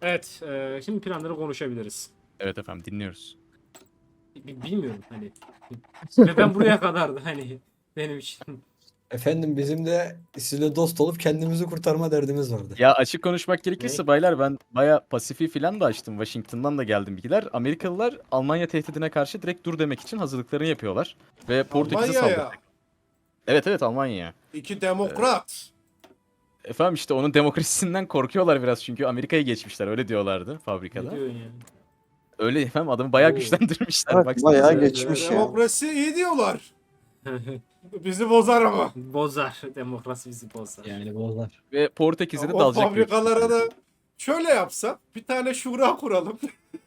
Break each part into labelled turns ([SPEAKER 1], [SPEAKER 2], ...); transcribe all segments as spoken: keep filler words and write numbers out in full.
[SPEAKER 1] Evet, e, şimdi planları konuşabiliriz.
[SPEAKER 2] Evet efendim dinliyoruz.
[SPEAKER 1] B- Bilmiyorum hani. Ve ben buraya kadardı hani benim için.
[SPEAKER 3] Efendim bizim de sizinle dost olup kendimizi kurtarma derdimiz vardı.
[SPEAKER 2] Ya açık konuşmak
[SPEAKER 1] Ne?
[SPEAKER 2] gerekirse baylar ben baya Pasifik'i falan da açtım. Washington'dan da geldim bilgiler. Amerikalılar Almanya tehdidine karşı direkt dur demek için hazırlıklarını yapıyorlar. Ve Portekiz'e
[SPEAKER 4] Almanya'ya.
[SPEAKER 2] saldıracak. Evet evet Almanya'ya.
[SPEAKER 4] İki demokrat.
[SPEAKER 2] Efendim işte onun demokrasisinden korkuyorlar biraz çünkü Amerika'ya geçmişler öyle diyorlardı
[SPEAKER 1] Ne
[SPEAKER 2] fabrikada.
[SPEAKER 1] diyorsun yani?
[SPEAKER 2] Öyle efendim adamı bayağı
[SPEAKER 1] Oo.
[SPEAKER 2] güçlendirmişler.
[SPEAKER 5] Evet,
[SPEAKER 2] Baksanıza.
[SPEAKER 5] bayağı
[SPEAKER 1] Evet,
[SPEAKER 5] geçmiş
[SPEAKER 1] evet.
[SPEAKER 5] ya.
[SPEAKER 4] Demokrasi iyi diyorlar. Bizi bozar ama.
[SPEAKER 1] Bozar. Demokrasi bizi bozar.
[SPEAKER 3] Yani bozlar.
[SPEAKER 2] Ve Portekiz'e de
[SPEAKER 4] O
[SPEAKER 2] dalacak. büyük
[SPEAKER 4] fabrikalara
[SPEAKER 2] ihtimalle.
[SPEAKER 4] da şöyle yapsak. Bir tane şura kuralım.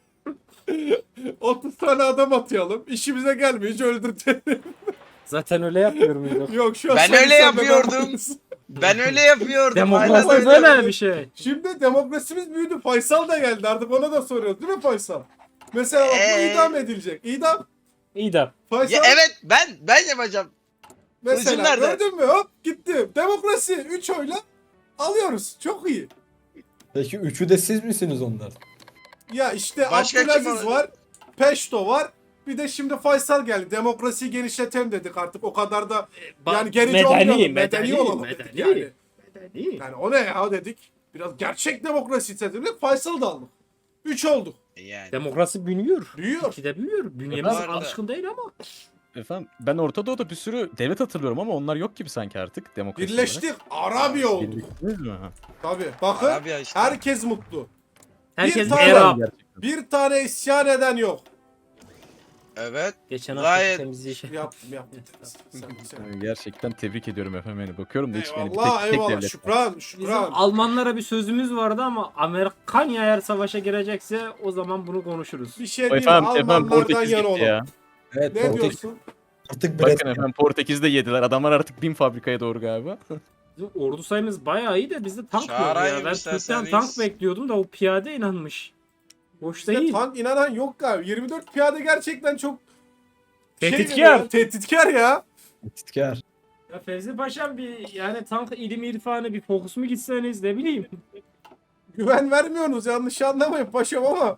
[SPEAKER 4] otuz tane adam atayalım. İşimize gelmeyince öldürtelim.
[SPEAKER 1] Zaten öyle yapmıyor muyduk?
[SPEAKER 4] Yok şu an
[SPEAKER 6] Ben
[SPEAKER 4] sen-
[SPEAKER 6] öyle
[SPEAKER 4] sen
[SPEAKER 6] yapıyordum.
[SPEAKER 4] demokrasi.
[SPEAKER 6] Ben öyle yapıyordum.
[SPEAKER 1] Demokrasi
[SPEAKER 6] hala da
[SPEAKER 1] böyle bir şey.
[SPEAKER 4] Şimdi demokrasimiz büyüdü. Faysal da geldi. Artık ona da soruyoruz değil mi Faysal? Mesela bak bu
[SPEAKER 6] Ee?
[SPEAKER 4] idam edilecek. İdam.
[SPEAKER 1] İyi de.
[SPEAKER 4] Faysal
[SPEAKER 6] Ya evet ben ben yapacağım.
[SPEAKER 4] mesela
[SPEAKER 6] Kılıcım nerede?
[SPEAKER 4] gördün mü? Hop gitti. Demokrasi üç oyla alıyoruz. Çok iyi.
[SPEAKER 3] Peki üçü de siz misiniz onlar?
[SPEAKER 4] Ya işte
[SPEAKER 6] Başka kim
[SPEAKER 4] Abdülaziz
[SPEAKER 6] var?
[SPEAKER 4] var. Peşto var. Bir de şimdi Faysal geldi. Demokrasiyi genişletelim dedik artık. O kadar da yani gerici
[SPEAKER 1] medeni,
[SPEAKER 4] olmayalım. Medeni,
[SPEAKER 1] medeni,
[SPEAKER 4] olalım
[SPEAKER 1] medeni.
[SPEAKER 4] dedik yani.
[SPEAKER 1] Medeni.
[SPEAKER 4] Yani o ne ya dedik. Biraz gerçek demokrasi istedik. Faysal da aldık. Üç olduk.
[SPEAKER 6] Yani.
[SPEAKER 1] Demokrasi büyüyor.
[SPEAKER 4] Büyüyor.
[SPEAKER 1] İkide büyüyor. Bünyemiz
[SPEAKER 6] Bu arada-
[SPEAKER 1] alışkın değil ama.
[SPEAKER 2] Efendim ben Orta Doğu'da bir sürü devlet hatırlıyorum ama onlar yok gibi sanki artık demokrasi olarak.
[SPEAKER 4] Birleştik. Arabi olduk.
[SPEAKER 2] Birleştiniz mi? Ha.
[SPEAKER 4] Tabii. Bakın
[SPEAKER 6] Arabiya işte.
[SPEAKER 4] herkes mutlu.
[SPEAKER 1] Herkes
[SPEAKER 4] tane-
[SPEAKER 1] Arap.
[SPEAKER 2] Gerçekten.
[SPEAKER 4] Bir tane isyan eden yok.
[SPEAKER 6] Evet.
[SPEAKER 1] Geçen hafta
[SPEAKER 6] Gayet-
[SPEAKER 1] temizliği şey.
[SPEAKER 4] Yaptım yaptım. Sen, sen.
[SPEAKER 2] Gerçekten tebrik ediyorum efendim. Yani bakıyorum da hiç yani bir tek,
[SPEAKER 4] Eyvallah
[SPEAKER 2] tek
[SPEAKER 4] eyvallah.
[SPEAKER 2] devlet.
[SPEAKER 4] Şükran
[SPEAKER 1] Bizim
[SPEAKER 4] şükran.
[SPEAKER 1] Almanlara bir sözümüz vardı ama Amerikanya eğer savaşa girecekse o zaman bunu konuşuruz.
[SPEAKER 4] Bir şey
[SPEAKER 2] O
[SPEAKER 4] diyeyim mi?
[SPEAKER 2] efendim, efendim
[SPEAKER 4] Almanlardan
[SPEAKER 2] Portekiz
[SPEAKER 4] yana
[SPEAKER 2] gitti
[SPEAKER 4] olalım.
[SPEAKER 2] ya.
[SPEAKER 3] Evet,
[SPEAKER 4] Ne
[SPEAKER 3] Portekiz
[SPEAKER 4] diyorsun?
[SPEAKER 3] artık
[SPEAKER 2] Bakın
[SPEAKER 3] Brezilya.
[SPEAKER 2] efendim Portekiz'de yediler. Adamlar artık bin fabrikaya doğru galiba.
[SPEAKER 1] Bizim ordu sayımız bayağı iyi de bizde tank yok
[SPEAKER 6] Çağırayım
[SPEAKER 1] ya. Ben
[SPEAKER 6] isterseniz.
[SPEAKER 1] Türk'ten tank bekliyordum da o piyade inanmış. Boş
[SPEAKER 4] Bizde
[SPEAKER 1] değil.
[SPEAKER 4] tank inanan yok galiba. yirmi dört piyade gerçekten çok şey
[SPEAKER 1] Tehditkar.
[SPEAKER 4] ya, tehditkar ya.
[SPEAKER 3] Titkar.
[SPEAKER 1] Ya Fevzi Paşam bir yani tank ilmi irfanı bir fokus mu gitseniz ne bileyim.
[SPEAKER 4] Güven vermiyorsunuz yanlış anlamayın paşam ama.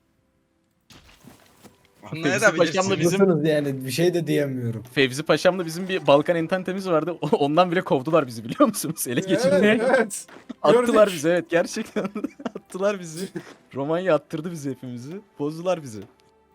[SPEAKER 6] Anlayabilirsiniz.
[SPEAKER 2] Paşam'la bizim
[SPEAKER 3] Bizim... yani bir şey de diyemiyorum.
[SPEAKER 2] Fevzi Paşam'la bizim bir Balkan ententemiz vardı. Ondan bile kovdular bizi biliyor musunuz? Ele
[SPEAKER 4] Evet,
[SPEAKER 2] geçirdiler.
[SPEAKER 4] evet.
[SPEAKER 2] Attılar
[SPEAKER 4] gördük.
[SPEAKER 2] bizi evet gerçekten. Attılar bizi. Romanya attırdı bizi hepimizi. Bozdular bizi.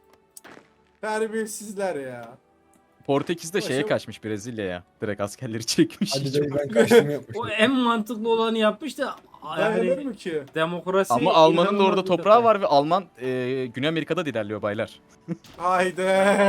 [SPEAKER 4] Terbiyesizler ya.
[SPEAKER 2] Portekiz'de şeye
[SPEAKER 4] Paşam-
[SPEAKER 2] kaçmış Brezilya'ya. Direkt askerleri çekmiş.
[SPEAKER 3] Hadi dayı ben kaçtım yapmışım.
[SPEAKER 1] O en mantıklı olanı yapmış da
[SPEAKER 4] Dayanır
[SPEAKER 1] yani
[SPEAKER 4] mı ki?
[SPEAKER 1] demokrasi
[SPEAKER 2] Ama Alman'ın da
[SPEAKER 1] inanılmaz
[SPEAKER 2] orada
[SPEAKER 1] bir
[SPEAKER 2] toprağı
[SPEAKER 1] detay.
[SPEAKER 2] var ve Alman e, Güney Amerika'da da ilerliyor baylar.
[SPEAKER 4] Haydi.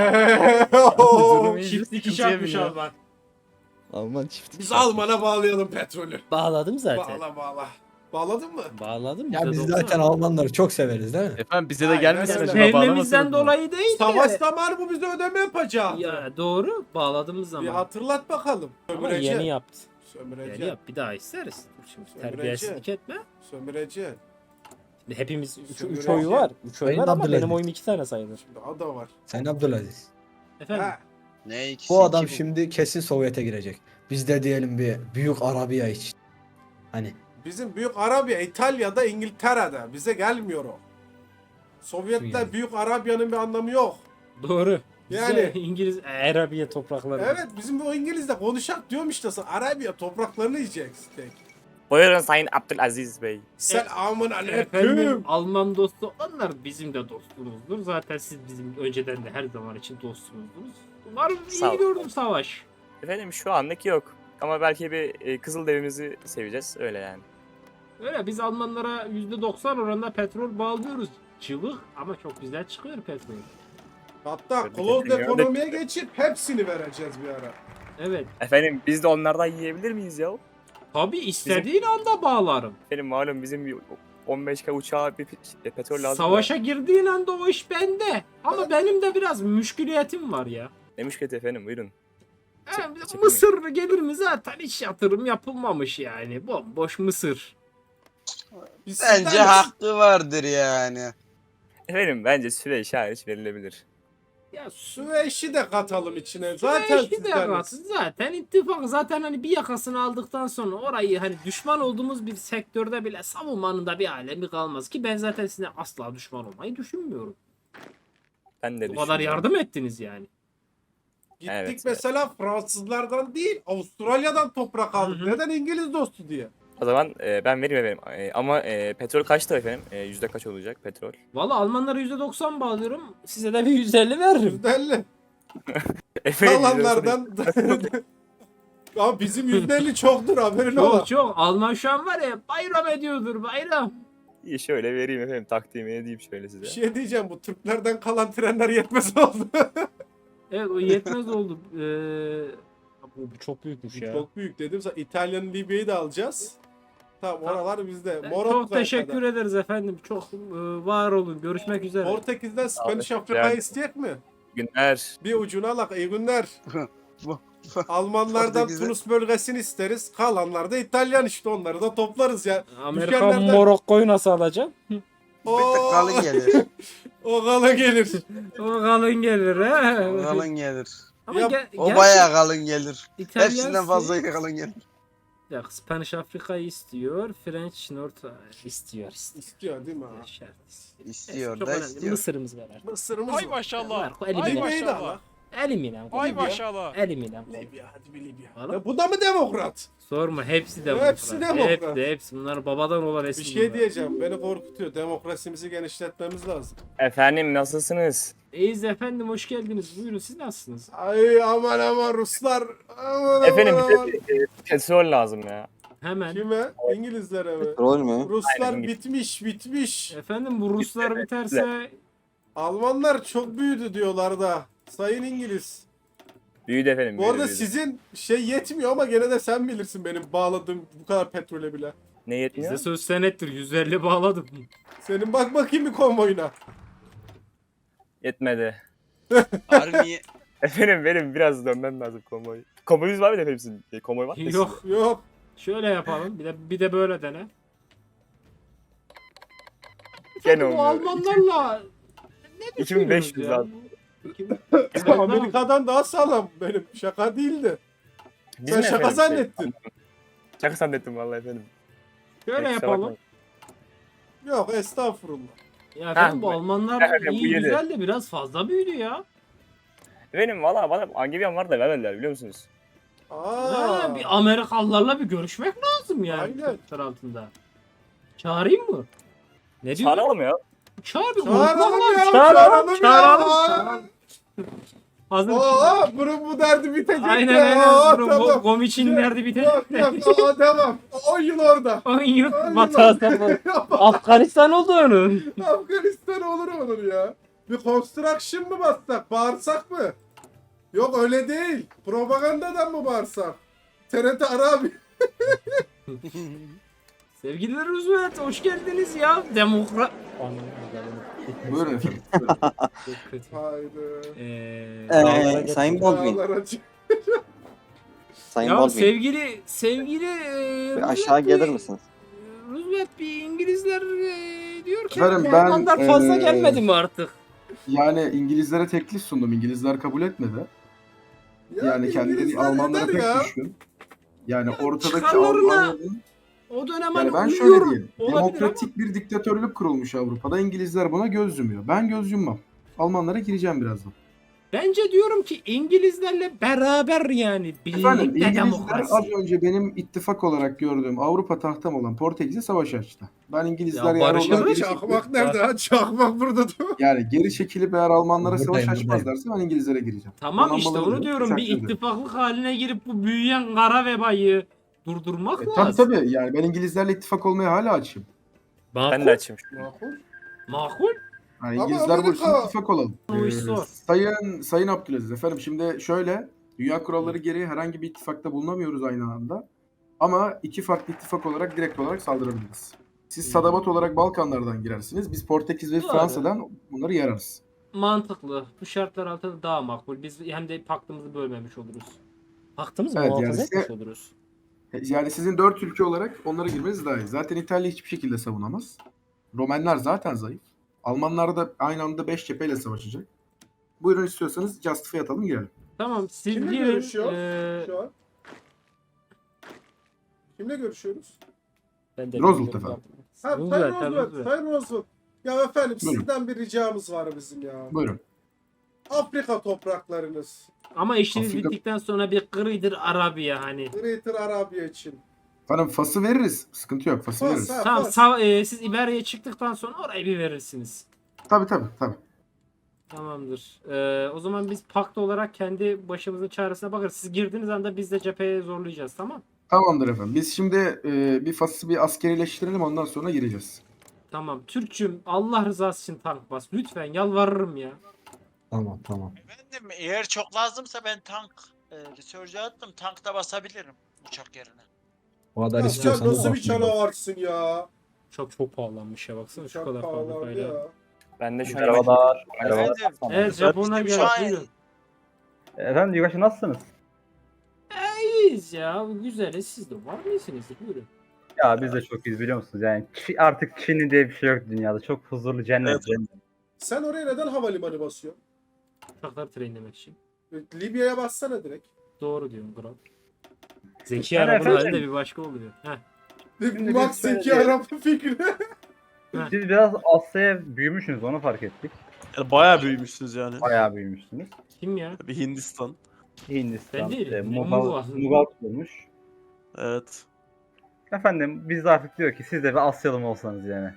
[SPEAKER 2] Durum iyi.
[SPEAKER 1] Çift dikiş
[SPEAKER 2] Sıkıntıya
[SPEAKER 1] yapmış
[SPEAKER 2] biniyor.
[SPEAKER 1] Alman.
[SPEAKER 2] Alman çift.
[SPEAKER 4] Biz Alman'a bağlayalım petrolü.
[SPEAKER 1] Bağladım zaten.
[SPEAKER 4] Bağla bağla. Bağladın mı?
[SPEAKER 1] Bağladım.
[SPEAKER 3] Ya biz
[SPEAKER 1] bize
[SPEAKER 3] zaten
[SPEAKER 1] doksan.
[SPEAKER 3] Almanları çok severiz değil mi?
[SPEAKER 2] Efendim bize de
[SPEAKER 4] Aynen
[SPEAKER 2] gelmesin
[SPEAKER 4] öyle.
[SPEAKER 2] acaba
[SPEAKER 1] Sevmemizden
[SPEAKER 2] bağlamasınız mı?
[SPEAKER 1] dolayı değil
[SPEAKER 4] Savaş
[SPEAKER 1] de.
[SPEAKER 4] zamanı bu bize ödeme yapacak.
[SPEAKER 1] Ya doğru bağladığımız
[SPEAKER 4] Bir
[SPEAKER 1] zaman.
[SPEAKER 4] hatırlat bakalım.
[SPEAKER 1] Ama
[SPEAKER 4] Sömüreci.
[SPEAKER 1] yeni yaptı.
[SPEAKER 4] Sömüreci.
[SPEAKER 1] Yeni yap bir daha isteriz. Dur şimdi
[SPEAKER 4] Sömüreci.
[SPEAKER 1] terbiyesizlik etme.
[SPEAKER 4] Sömüreci.
[SPEAKER 1] Şimdi hepimiz üç,
[SPEAKER 4] Sömüreci.
[SPEAKER 1] üç oyu var. Üç oy
[SPEAKER 3] Sayın
[SPEAKER 1] var ama
[SPEAKER 3] Abdülaziz.
[SPEAKER 1] benim oyum iki tane sayılır.
[SPEAKER 4] Şimdi o da var.
[SPEAKER 3] Sen Abdülaziz.
[SPEAKER 1] Efendim.
[SPEAKER 4] Ha.
[SPEAKER 6] Ne ikisi
[SPEAKER 3] Bu adam
[SPEAKER 6] iki bu.
[SPEAKER 3] şimdi kesin Sovyet'e girecek. Biz de diyelim bir büyük Arabiya için. Hani
[SPEAKER 4] Bizim büyük Arabiya İtalya'da İngiltere'de. Bize gelmiyor o. Sovyet'te
[SPEAKER 3] Yani.
[SPEAKER 4] büyük Arabya'nın bir anlamı yok.
[SPEAKER 1] Doğru.
[SPEAKER 4] Yani-
[SPEAKER 1] Yani İngiliz Arabiye toprakları.
[SPEAKER 4] Evet bizim bu İngiliz'de konuşak diyorum işte sana. Arabiya topraklarını yiyeceksin tek.
[SPEAKER 7] Buyurun Sayın Abdülaziz Bey.
[SPEAKER 4] Selamun
[SPEAKER 1] Efendim
[SPEAKER 4] aleyküm.
[SPEAKER 1] Alman dostu onlar bizim de dostumuzdur. Zaten siz bizim önceden de her zaman için dostumuzdunuz. Umarım
[SPEAKER 7] Sağ
[SPEAKER 1] iyi
[SPEAKER 7] ol.
[SPEAKER 1] gördüm savaş.
[SPEAKER 7] Efendim şu anlık yok. Ama belki bir e, Kızılderimizi seveceğiz öyle yani.
[SPEAKER 1] Öyle biz Almanlara yüzde doksan oranında petrol bağlıyoruz. Çığlık ama çok güzel çıkıyor petrol.
[SPEAKER 4] Hatta
[SPEAKER 7] Tebrik
[SPEAKER 4] closed
[SPEAKER 7] ederim ya.
[SPEAKER 4] ekonomiye geçip hepsini vereceğiz bir ara.
[SPEAKER 1] Evet.
[SPEAKER 7] Efendim biz de onlardan yiyebilir miyiz ya?
[SPEAKER 1] Tabii istediğin anda bağlarım.
[SPEAKER 7] Efendim malum bizim bir on beş K uçağa bir pe- petrol lazım.
[SPEAKER 1] Savaşa girdiğin anda o iş bende. Ama benim de biraz müşküliyetim var ya.
[SPEAKER 7] Ne müşkületi efendim buyurun.
[SPEAKER 1] Ha,
[SPEAKER 7] çekinmeyin.
[SPEAKER 1] mısır gelir mi zaten hiç yatırım yapılmamış yani. Bomboş mısır.
[SPEAKER 4] Biz
[SPEAKER 6] Bence
[SPEAKER 4] sizden-
[SPEAKER 6] hakkı vardır yani.
[SPEAKER 7] Efendim bence Süveyş hariç verilebilir.
[SPEAKER 1] Ya su
[SPEAKER 4] Süveyş'i de katalım içine. Zaten
[SPEAKER 1] Süveyş'i de
[SPEAKER 4] sizden.
[SPEAKER 1] kalsın. Zaten ittifak zaten hani bir yakasını aldıktan sonra orayı hani düşman olduğumuz bir sektörde bile savunmanın da bir alemi kalmaz ki ben zaten size asla düşman olmayı düşünmüyorum.
[SPEAKER 7] Ben de
[SPEAKER 1] Bu kadar
[SPEAKER 7] düşünüyorum.
[SPEAKER 1] yardım ettiniz yani.
[SPEAKER 4] Gittik
[SPEAKER 7] Evet,
[SPEAKER 4] mesela Fransızlardan değil Avustralya'dan toprak aldık.
[SPEAKER 1] Hı hı.
[SPEAKER 4] Neden İngiliz dostu diye.
[SPEAKER 7] O zaman e, ben vereyim efendim. E, ama e, petrol kaçtı efendim? E, yüzde kaç olacak petrol?
[SPEAKER 1] Valla Almanlara yüzde doksan bağlıyorum. Size de bir yüzde elli veririm.
[SPEAKER 4] yüzde elli.
[SPEAKER 7] Efendim,
[SPEAKER 4] Kalanlardan ama bizim yüzde elli çoktur haberin ola.
[SPEAKER 1] Çok çok. Alman şu an var ya bayram ediyordur bayram.
[SPEAKER 7] İyi, şöyle vereyim efendim. Takdimi edeyim şöyle size.
[SPEAKER 4] Bir şey diyeceğim, bu Türklerden kalan trenler yetmez oldu.
[SPEAKER 1] Evet o yetmez oldu. Ee, bu, bu çok büyükmüş ya.
[SPEAKER 4] Çok büyük dedim sana, İtalya'nın Libya'yı da alacağız. Tamam, oralar bizde.
[SPEAKER 1] Ben
[SPEAKER 4] Morokko'ya
[SPEAKER 1] çok teşekkür
[SPEAKER 4] kadar.
[SPEAKER 1] ederiz efendim. Çok e, var olun. Görüşmek üzere.
[SPEAKER 4] Portekiz'den Spanish
[SPEAKER 7] Abi,
[SPEAKER 4] Afrika'yı
[SPEAKER 7] yani-
[SPEAKER 4] isteyecek mi?
[SPEAKER 7] Günler.
[SPEAKER 4] Bir ucuna alak. İyi günler.
[SPEAKER 6] Bu-
[SPEAKER 4] Almanlardan
[SPEAKER 6] Portekiz'de-
[SPEAKER 4] Tunus bölgesini isteriz. Kalanlar da İtalyan işte, onları da toplarız ya.
[SPEAKER 1] Amerika
[SPEAKER 4] Ülkelerden-
[SPEAKER 1] Morokko'yu nasıl alacak?
[SPEAKER 6] Bir tık kalın gelir.
[SPEAKER 4] O kalın gelir.
[SPEAKER 1] O kalın gelir he.
[SPEAKER 6] O kalın gelir.
[SPEAKER 1] Ama
[SPEAKER 4] Yap-
[SPEAKER 1] ge-
[SPEAKER 6] O
[SPEAKER 1] gerçi
[SPEAKER 6] bayağı kalın gelir.
[SPEAKER 1] İtalyan
[SPEAKER 6] Hepsinden
[SPEAKER 1] si-
[SPEAKER 6] fazla kalın gelir.
[SPEAKER 1] Ya Spanish Afrika'yı istiyor. French North istiyor. istiyor.
[SPEAKER 4] İstiyor değil mi? ha?
[SPEAKER 1] Şart.
[SPEAKER 6] İstiyor
[SPEAKER 1] Çok
[SPEAKER 6] da
[SPEAKER 1] önemli.
[SPEAKER 6] istiyor.
[SPEAKER 1] Mısır'ımız var artık.
[SPEAKER 4] Mısır'ımız
[SPEAKER 5] Ay
[SPEAKER 4] var.
[SPEAKER 5] maşallah.
[SPEAKER 1] Var,
[SPEAKER 5] Ay
[SPEAKER 1] elimine.
[SPEAKER 4] Libya'yı da
[SPEAKER 5] maşallah.
[SPEAKER 4] alak.
[SPEAKER 1] Elimine.
[SPEAKER 5] Ay
[SPEAKER 4] Libya.
[SPEAKER 5] maşallah.
[SPEAKER 1] Elimine.
[SPEAKER 4] Libya, hadi bir Libya.
[SPEAKER 1] Valla.
[SPEAKER 4] Ya bu da mı demokrat?
[SPEAKER 1] Sorma hepsi de
[SPEAKER 4] Hepsi
[SPEAKER 1] demokrat.
[SPEAKER 4] demokrat.
[SPEAKER 1] Hepsi, hepsi. Bunlar babadan olan
[SPEAKER 4] Bir
[SPEAKER 1] eski
[SPEAKER 4] şey
[SPEAKER 1] bunlar.
[SPEAKER 4] diyeceğim, beni korkutuyor. Demokrasimizi genişletmemiz lazım.
[SPEAKER 7] Efendim nasılsınız?
[SPEAKER 1] İyiyiz efendim hoş geldiniz. Buyurun siz nasılsınız?
[SPEAKER 4] Ay aman aman Ruslar. Aman
[SPEAKER 7] Efendim
[SPEAKER 4] aman.
[SPEAKER 7] bize bir, e, petrol lazım ya.
[SPEAKER 1] Hemen.
[SPEAKER 4] Kime? İngilizlere mi?
[SPEAKER 8] Rol mü?
[SPEAKER 4] Ruslar
[SPEAKER 7] Aynen.
[SPEAKER 4] bitmiş bitmiş.
[SPEAKER 1] Efendim bu Ruslar biterse
[SPEAKER 4] Almanlar çok büyüdü diyorlar da. Sayın İngiliz.
[SPEAKER 7] Büyüdü efendim.
[SPEAKER 4] Bu
[SPEAKER 7] büyüdü,
[SPEAKER 4] arada
[SPEAKER 7] büyüdü.
[SPEAKER 4] sizin şey yetmiyor ama gene de sen bilirsin benim bağladığım bu kadar petrole bile.
[SPEAKER 7] Ne yetmiyor?
[SPEAKER 1] bizde söz senettir. yüz elli bağladım.
[SPEAKER 4] Senin bak bakayım bir konvoyuna.
[SPEAKER 7] Yetmedi.
[SPEAKER 6] Harbi
[SPEAKER 7] Efendim benim biraz dönmem lazım konvoy. Konvoyunuz var mı efendim sizin? E, konvoy var mı?
[SPEAKER 1] Yok.
[SPEAKER 4] Yok.
[SPEAKER 1] Şöyle yapalım. Bir de bir de böyle dene.
[SPEAKER 7] Gene
[SPEAKER 1] Efendim, bu
[SPEAKER 7] olmuyor.
[SPEAKER 1] Almanlarla
[SPEAKER 7] iki bin beş yüz
[SPEAKER 1] ya?
[SPEAKER 7] abi.
[SPEAKER 1] iki bin-
[SPEAKER 4] Amerika'dan daha sağlam benim. Şaka değildi.
[SPEAKER 7] Biz
[SPEAKER 4] Sen
[SPEAKER 7] mi
[SPEAKER 4] şaka
[SPEAKER 7] efendim?
[SPEAKER 4] zannettin.
[SPEAKER 7] Şaka zannettim vallahi efendim.
[SPEAKER 1] Şöyle
[SPEAKER 7] Kusura
[SPEAKER 1] yapalım.
[SPEAKER 7] bakmayın.
[SPEAKER 4] Yok estağfurullah.
[SPEAKER 1] Ya efendim bu
[SPEAKER 7] Ha,
[SPEAKER 1] Almanlar
[SPEAKER 7] efendim, bu
[SPEAKER 1] iyi
[SPEAKER 7] yedi.
[SPEAKER 1] güzel de biraz fazla büyüdü ya.
[SPEAKER 7] Efendim valla bana Angevian var da vermediler biliyor musunuz?
[SPEAKER 4] Aa.
[SPEAKER 1] Ha, bir Amerikalılarla bir görüşmek lazım yani.
[SPEAKER 4] Aynen.
[SPEAKER 1] Aynen. altında. Çağırayım mı? Ne diyorsun?
[SPEAKER 7] Çağıralım ya.
[SPEAKER 1] Çağır bir
[SPEAKER 4] Çağıralım
[SPEAKER 1] unutma
[SPEAKER 4] ya,
[SPEAKER 1] lan.
[SPEAKER 4] çağıralım ya.
[SPEAKER 1] Çağıralım.
[SPEAKER 4] Aa.
[SPEAKER 1] çağıralım. Hazır.
[SPEAKER 4] Oo, bunun bu derdi bitecek
[SPEAKER 1] Aynen
[SPEAKER 4] ya.
[SPEAKER 1] aynen.
[SPEAKER 4] Aa,
[SPEAKER 1] Bro,
[SPEAKER 4] tamam.
[SPEAKER 1] Gomiç'in nerede biter?
[SPEAKER 4] Yok yok aa, devam. on yıl orada.
[SPEAKER 1] on yıl
[SPEAKER 4] On yıl
[SPEAKER 1] batağında. Afganistan oldu onun.
[SPEAKER 4] Afganistan olur onun ya. Bir construction mı bassak? Bağırsak mı? Yok öyle değil. Propagandadan mı bağırsak? T R T ara abi.
[SPEAKER 1] Sevgili Roosevelt hoş geldiniz ya. Demokrat.
[SPEAKER 8] Buyurun efendim.
[SPEAKER 1] Çok kötü.
[SPEAKER 4] Haydi.
[SPEAKER 1] Ee,
[SPEAKER 8] Ee, Sayın Baldwin.
[SPEAKER 4] Dağlara çık-
[SPEAKER 8] Sayın
[SPEAKER 1] ya
[SPEAKER 8] Baldwin.
[SPEAKER 1] sevgili sevgili e,
[SPEAKER 8] Bir
[SPEAKER 1] Roosevelt
[SPEAKER 8] aşağı
[SPEAKER 1] Bey,
[SPEAKER 8] gelir misiniz?
[SPEAKER 1] Roosevelt bir İngilizler e, diyor ki
[SPEAKER 9] Efendim,
[SPEAKER 1] bu
[SPEAKER 9] ben,
[SPEAKER 1] Almanlar fazla
[SPEAKER 9] e,
[SPEAKER 1] gelmedi mi artık?
[SPEAKER 9] Yani İngilizlere teklif sundum. İngilizler kabul etmedi. Yani kendileri
[SPEAKER 4] İngilizler
[SPEAKER 9] Almanlara
[SPEAKER 4] eder
[SPEAKER 9] pek
[SPEAKER 4] ya.
[SPEAKER 9] düşkün. Yani ortadaki
[SPEAKER 1] çıkarlarına
[SPEAKER 9] Almanya'nın...
[SPEAKER 1] O dönem
[SPEAKER 9] Yani
[SPEAKER 1] hani
[SPEAKER 9] ben şöyle
[SPEAKER 1] uyuyorum.
[SPEAKER 9] diyeyim.
[SPEAKER 1] Olabilir
[SPEAKER 9] Demokratik bir diktatörlük kurulmuş Avrupa'da. İngilizler buna göz yumuyor. Ben göz yummam. Almanlara gireceğim birazdan.
[SPEAKER 1] Bence diyorum ki İngilizlerle beraber yani
[SPEAKER 9] Efendim
[SPEAKER 1] birlikte
[SPEAKER 9] İngilizler
[SPEAKER 1] demokrasi.
[SPEAKER 9] az önce benim ittifak olarak gördüğüm Avrupa tahtam olan Portekiz'e savaş açtı. Ben İngilizler
[SPEAKER 1] Ya
[SPEAKER 9] yani
[SPEAKER 1] barışalım.
[SPEAKER 9] oradan geri
[SPEAKER 4] Çakmak
[SPEAKER 9] çekilip,
[SPEAKER 4] nerede ha? Çakmak burada dur.
[SPEAKER 9] yani geri çekilip eğer Almanlara
[SPEAKER 3] Buradayım,
[SPEAKER 9] savaş
[SPEAKER 3] buradayım.
[SPEAKER 9] açmazlarsa ben İngilizlere gireceğim.
[SPEAKER 1] Tamam işte
[SPEAKER 9] Donanmaları
[SPEAKER 1] onu
[SPEAKER 9] da
[SPEAKER 1] diyorum bir
[SPEAKER 9] teşekkür ederim.
[SPEAKER 1] ittifaklık haline girip bu büyüyen kara vebayı durdurmak
[SPEAKER 9] E, tabii
[SPEAKER 1] lazım.
[SPEAKER 9] tabii yani ben İngilizlerle ittifak olmaya hala açayım.
[SPEAKER 1] Makul.
[SPEAKER 7] Ben de açayım.
[SPEAKER 4] Makul.
[SPEAKER 1] Makul.
[SPEAKER 9] Yani
[SPEAKER 4] Ama
[SPEAKER 9] İngilizler bu
[SPEAKER 4] Amerika-
[SPEAKER 9] işin ittifak olalım.
[SPEAKER 1] O iş
[SPEAKER 9] Ee,
[SPEAKER 1] zor.
[SPEAKER 9] Sayın Sayın Abdülaziz efendim şimdi şöyle dünya kuralları gereği herhangi bir ittifakta bulunamıyoruz aynı anda. Ama iki farklı ittifak olarak direkt olarak saldırabiliriz. Siz Sadabat olarak Balkanlardan girersiniz. Biz Portekiz ve
[SPEAKER 1] Doğru.
[SPEAKER 9] Fransa'dan bunları yararız.
[SPEAKER 1] Mantıklı. Bu şartlar altında daha makul. Biz hem de paktımızı bölmemiş oluruz. Paktımızı
[SPEAKER 9] Evet,
[SPEAKER 1] muhafaza
[SPEAKER 9] yani
[SPEAKER 1] etmiş
[SPEAKER 9] size-
[SPEAKER 1] oluruz.
[SPEAKER 9] Yani sizin dört ülke olarak onlara girmeniz daha iyi. Zaten İtalya hiçbir şekilde savunamaz. Romenler zaten zayıf. Almanlar da aynı anda beş cepheyle savaşacak. Buyurun istiyorsanız Justify atalım girelim.
[SPEAKER 1] Tamam siz
[SPEAKER 4] Kimle
[SPEAKER 1] girin.
[SPEAKER 4] görüşüyor
[SPEAKER 1] Ee,
[SPEAKER 4] şu an? Kimle görüşüyoruz?
[SPEAKER 7] Ben de
[SPEAKER 9] Roosevelt efendim.
[SPEAKER 4] Ha, Sayın
[SPEAKER 1] Roosevelt, ha,
[SPEAKER 4] Roosevelt,
[SPEAKER 1] Roosevelt.
[SPEAKER 4] Sayın Roosevelt. Ya efendim
[SPEAKER 9] Buyurun.
[SPEAKER 4] sizden bir ricamız var bizim ya.
[SPEAKER 9] Buyurun.
[SPEAKER 4] Afrika topraklarınız.
[SPEAKER 1] ama işiniz
[SPEAKER 9] Afrika-
[SPEAKER 1] bittikten sonra bir Greater Arabia hani.
[SPEAKER 4] Greater Arabia için.
[SPEAKER 9] Efendim Fas'ı veririz. Sıkıntı yok. Fas'ı
[SPEAKER 4] Fas,
[SPEAKER 9] veririz.
[SPEAKER 4] ha.
[SPEAKER 1] Tamam
[SPEAKER 4] Fas.
[SPEAKER 1] sağ, e, siz İberya'ya çıktıktan sonra orayı bir verirsiniz.
[SPEAKER 9] Tabii tabii tabii.
[SPEAKER 1] Tamamdır. Ee, o zaman biz pakt olarak kendi başımızın çaresine bakarız. Siz girdiğiniz anda biz de cepheye zorlayacağız, tamam?
[SPEAKER 9] Tamamdır efendim. Biz şimdi e, bir Fas'ı bir askerileştirelim ondan sonra gireceğiz.
[SPEAKER 1] Tamam. Türkçüm Allah rızası için tank bas. Lütfen yalvarırım ya.
[SPEAKER 3] Tamam tamam.
[SPEAKER 5] Efendim eğer çok lazımsa ben tank e, research'e attım. Tank da basabilirim uçak yerine.
[SPEAKER 3] O kadar
[SPEAKER 4] Ya sen
[SPEAKER 3] istiyorsanız
[SPEAKER 4] nasıl bir
[SPEAKER 3] basmayın.
[SPEAKER 4] canavarsın ya?
[SPEAKER 1] Çok çok pahalanmış ya baksana şu
[SPEAKER 4] Çok
[SPEAKER 1] kadar
[SPEAKER 4] pahalı
[SPEAKER 1] fabrikayla.
[SPEAKER 4] ya.
[SPEAKER 7] Ben de şu an
[SPEAKER 8] Merhabalar.
[SPEAKER 5] Efendim
[SPEAKER 1] Evet Japon'a
[SPEAKER 5] bizim
[SPEAKER 1] gel.
[SPEAKER 5] şu an
[SPEAKER 1] Buyurun.
[SPEAKER 8] Efendim Yugaşı nasılsınız?
[SPEAKER 1] İyiyiz ya. Güzeliz. Siz de var mısınız? Buyurun.
[SPEAKER 8] Ya biz de çok iyiyiz biliyor musunuz? Yani Çi- artık Çin'i diye bir şey yok dünyada. Çok huzurlu cennet.
[SPEAKER 6] Evet.
[SPEAKER 8] cennet.
[SPEAKER 4] Sen oraya neden havalimanı basıyorsun?
[SPEAKER 1] Uçakları trainlemek için.
[SPEAKER 4] Libya'ya bassana direkt.
[SPEAKER 1] Doğru diyorsun kral. Zeki
[SPEAKER 8] Yani
[SPEAKER 1] arabanın
[SPEAKER 8] efendim-
[SPEAKER 1] hali de bir başka oluyor. Heh.
[SPEAKER 8] Şimdi
[SPEAKER 4] Bak
[SPEAKER 8] biz şöyle
[SPEAKER 4] Zeki
[SPEAKER 8] diyelim.
[SPEAKER 4] araba fikri.
[SPEAKER 8] Siz biraz Asya'ya büyümüşsünüz onu fark ettik.
[SPEAKER 6] Yani bayağı büyümüşsünüz yani.
[SPEAKER 8] Bayağı büyümüşsünüz.
[SPEAKER 1] Kim ya?
[SPEAKER 6] Bir Hindistan.
[SPEAKER 8] Hindistan,
[SPEAKER 1] Ben değilim.
[SPEAKER 8] e,
[SPEAKER 1] Ya,
[SPEAKER 8] Mughal,
[SPEAKER 1] Mughal.
[SPEAKER 8] Mughal kurmuş.
[SPEAKER 6] Evet.
[SPEAKER 8] Efendim biz de artık diyor ki siz de bir Asyalı mı olsanız yani.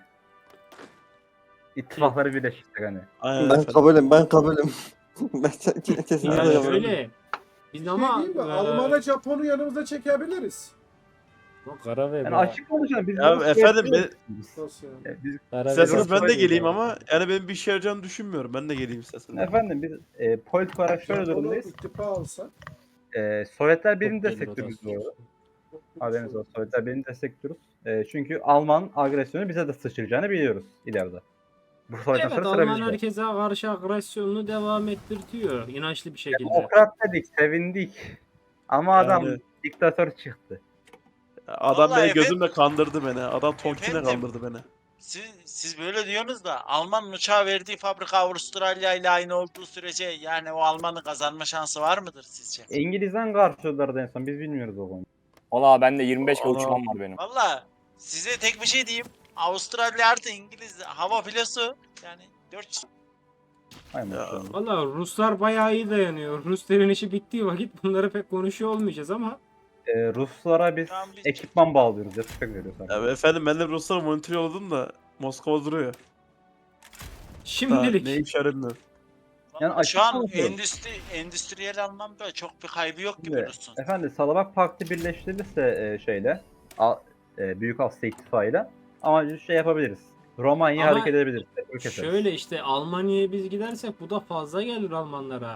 [SPEAKER 8] İttifakları birleştirsek hani.
[SPEAKER 6] Aynen
[SPEAKER 10] Ben
[SPEAKER 6] efendim.
[SPEAKER 10] kabulüm, ben kabulüm. ben kesinlikle
[SPEAKER 6] Yani
[SPEAKER 1] Yani
[SPEAKER 10] kabulüm.
[SPEAKER 1] öyle. Biz
[SPEAKER 4] Ama
[SPEAKER 1] ama
[SPEAKER 4] değil mi?
[SPEAKER 1] e,
[SPEAKER 4] Alman'a Japon'u yanımıza çekebiliriz.
[SPEAKER 1] Bak kara ve
[SPEAKER 8] Yani
[SPEAKER 1] bu-
[SPEAKER 8] açık konuşalım biz
[SPEAKER 6] Ya
[SPEAKER 8] bunu
[SPEAKER 6] efendim,
[SPEAKER 8] şey yapıyoruz.
[SPEAKER 4] Nasıl yani?
[SPEAKER 8] Ya biz-
[SPEAKER 1] kara ve-
[SPEAKER 6] İsterseniz ben de
[SPEAKER 8] Böyle
[SPEAKER 6] geleyim
[SPEAKER 8] yani.
[SPEAKER 6] ama yani benim bir işe yarayacağını düşünmüyorum. Ben de geleyim isterseniz.
[SPEAKER 8] Efendim biz e, politik olarak şöyle
[SPEAKER 4] Japon'u
[SPEAKER 8] durumdayız.
[SPEAKER 4] ittifa alsak.
[SPEAKER 8] E, Sovyetler Birliği'ni
[SPEAKER 1] Çok belli
[SPEAKER 8] destekliyoruz bu
[SPEAKER 1] rotasyon.
[SPEAKER 8] arada. Haberiniz olsun. Sovyetler Birliği'ni destekliyoruz. E, çünkü Alman agresyonu bize de sıçrayacağını biliyoruz ileride. Bu savaştan
[SPEAKER 1] Evet
[SPEAKER 8] sonra sıra
[SPEAKER 1] Alman
[SPEAKER 8] bizde.
[SPEAKER 1] herkese karşı agresyonunu devam ettirtiyor. İnançlı bir şekilde.
[SPEAKER 8] Demokrat dedik, sevindik. Ama adam
[SPEAKER 6] Yani-
[SPEAKER 8] diktatör çıktı.
[SPEAKER 6] Adam
[SPEAKER 5] Vallahi
[SPEAKER 6] beni gözümle kandırdı beni. Adam Tonkin'e
[SPEAKER 5] Efendim?
[SPEAKER 6] kandırdı beni.
[SPEAKER 5] Siz, siz böyle diyorsunuz da Alman uçağı verdiği fabrika Avustralya ile aynı olduğu sürece yani o Alman'ın kazanma şansı var mıdır sizce?
[SPEAKER 8] İngiliz'den karşıladılar en son. Biz bilmiyoruz o konuyu.
[SPEAKER 7] Valla bende yirmi beş K
[SPEAKER 6] Ana.
[SPEAKER 7] uçağım var benim.
[SPEAKER 5] Valla size tek bir şey diyeyim. Avustralya artı İngiliz hava filosu yani dört
[SPEAKER 8] Hay maşallah.
[SPEAKER 1] Valla Ruslar bayağı iyi dayanıyor. Rusların işi bittiği vakit bunları pek konuşuyor olmayacağız ama
[SPEAKER 8] Ee, Ruslara biz
[SPEAKER 5] Tamam, biz-
[SPEAKER 8] ekipman bağlıyoruz. Destek veriyoruz. abi.
[SPEAKER 6] Ya efendim ben de Ruslara monitör yolladım da Moskova duruyor. Daha
[SPEAKER 1] şimdilik
[SPEAKER 6] ne işe yaramıyor.
[SPEAKER 8] Yani açık
[SPEAKER 5] şu an
[SPEAKER 8] konuşuyorum.
[SPEAKER 5] endüstri, endüstriyel anlamda çok bir kaybı yok gibi
[SPEAKER 8] Şimdi,
[SPEAKER 5] Rus'un.
[SPEAKER 8] efendim Salabak Paktı birleştirilirse e, şeyle A, e, Büyük Asya İttifakı'yla ama şey yapabiliriz. Romanya'ya
[SPEAKER 1] Ama
[SPEAKER 8] hareket edebiliriz. petrol keseriz.
[SPEAKER 1] şöyle işte Almanya'ya biz gidersek bu da fazla gelir Almanlara.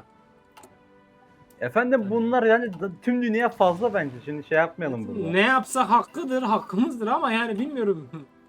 [SPEAKER 8] Efendim bunlar yani d- tüm dünya fazla bence. Şimdi şey yapmayalım burada.
[SPEAKER 1] Ne yapsa hakkıdır, hakkımızdır ama yani bilmiyorum.